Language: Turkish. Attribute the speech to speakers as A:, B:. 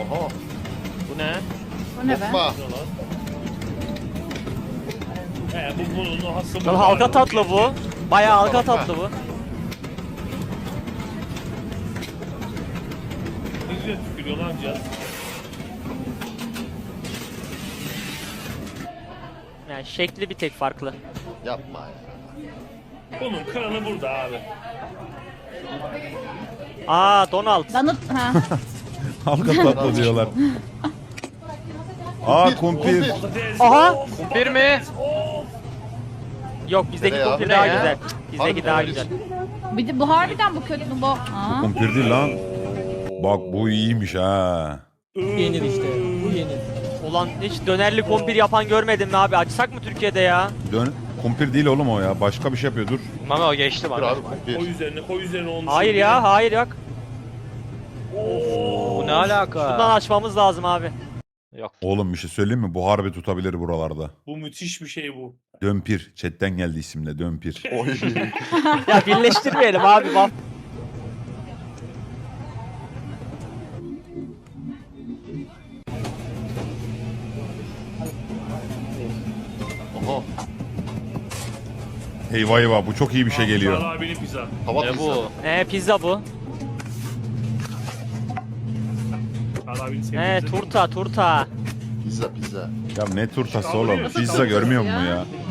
A: Oha.
B: Bu ne?
C: O ne be?
A: Hoppa.
D: Bunun hası
B: Lan halka tatlı bu. Bayağı halka tatlı bu.
D: Ne güzel tükürüyor lan cihaz.
B: Yani şekli bir tek farklı.
A: Yapma ya.
D: Bunun kralı burada abi.
B: Aa Donald.
C: Donut ha.
E: Halka tatlı diyorlar. Aa kumpir.
D: Patates.
B: Aha!
D: Of,
F: Bir mi?
D: of.
B: Yok bizdeki
A: Nereye
B: kumpir
A: abi?
B: daha
F: Ne ya?
B: güzel. Bizdeki
A: Harbi
B: daha
A: mi?
B: güzel.
C: Bir de bu harbiden bu kötü bu. Aa.
E: Kumpir değil lan. Bak bu iyiymiş ha.
G: Yenir işte. Bu yenir.
B: Ulan hiç dönerli kumpir yapan görmedim mi abi? Açsak mı Türkiye'de ya?
E: Kumpir değil oğlum o ya. Başka bir şey yapıyor dur.
F: Mami o geçti
A: Dur
F: bana.
A: abi
D: Koy
A: kumpir.
D: üzerine olmuş.
B: Hayır ya, hayır yok.
F: Bu ne alaka?
B: Bundan açmamız lazım abi.
F: Yok.
E: Oğlum bir şey söyleyeyim mi? Bu harbi tutabilir buralarda.
D: Bu müthiş bir şey bu.
E: Dömpir. Chatten geldi isimle Dömpir.
A: Oy.
B: Ya birleştirmeyelim abi. Bak.
A: Oha.
E: Eyvah eyvah bu çok iyi bir şey geliyor.
D: Sağ abinin pizza.
A: Hava
F: Ne
A: pizza.
F: bu?
B: Pizza bu.
D: Sağ abinin sevdiği pizza.
B: Turta.
A: Pizza pizza.
E: Ya ne turtası oğlum? Pizza görmüyor musun ya?